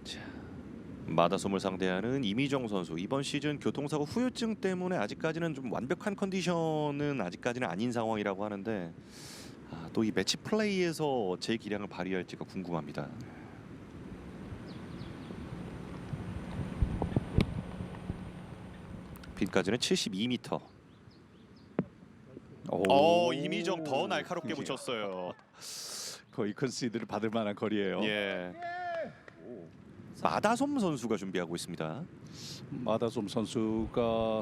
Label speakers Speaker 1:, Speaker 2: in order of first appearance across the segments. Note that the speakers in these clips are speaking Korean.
Speaker 1: 자, 마다솜을 상대하는 이미정 선수. 이번 시즌 교통사고 후유증 때문에 아직까지는 좀 완벽한 컨디션은 아직까지는 아닌 상황이라고 하는데 또 이 매치 플레이에서 제 기량을 발휘할지가 궁금합니다. 빈까지는 72m. 이미정 더 날카롭게 붙였어요.
Speaker 2: 거의 컨시드를 받을 만한 거리예요.
Speaker 1: 예. 마다솜 선수가 준비하고 있습니다.
Speaker 2: 마다솜 선수가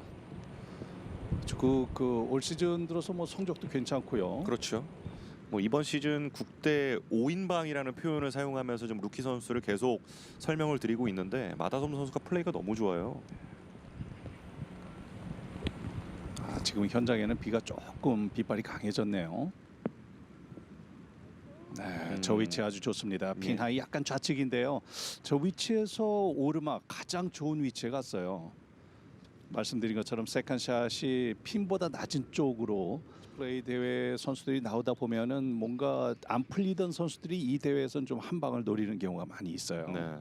Speaker 2: 올 시즌 들어서 뭐 성적도 괜찮고요.
Speaker 1: 그렇죠. 뭐 이번 시즌 국대 5인방이라는 표현을 사용하면서 좀 루키 선수를 계속 설명을 드리고 있는데 마다솜 선수가 플레이가 너무 좋아요.
Speaker 2: 지금 현장에는 비가 조금 빗발이 강해졌네요. 네, 저 위치 아주 좋습니다. 핀 하이 약간 좌측인데요. 저 위치에서 오르막 가장 좋은 위치에 갔어요. 말씀드린 것처럼 세컨샷이 핀보다 낮은 쪽으로 플레이 대회 선수들이 나오다 보면은 뭔가 안 풀리던 선수들이 이 대회에서는 좀 한 방을 노리는 경우가 많이 있어요.
Speaker 1: 네.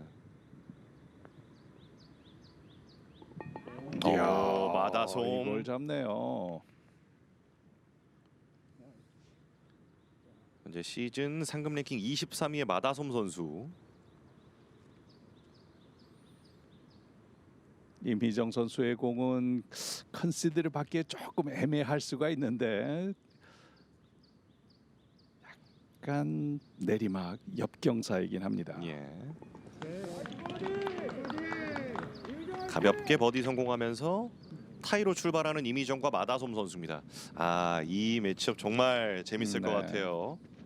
Speaker 2: 이야,
Speaker 1: 마다솜.
Speaker 2: 이걸 잡네요.
Speaker 1: 현재 시즌 상금 랭킹 23위의 마다솜 선수.
Speaker 2: 임희정 선수의 공은 컨시드를 받기에 조금 애매할 수가 있는데 약간 내리막 옆경사이긴 합니다.
Speaker 1: 예. 가볍게 버디 성공하면서 타이로 출발하는 이미정과 마다솜 선수입니다. 이 매치업 정말 재밌을 것 같아요.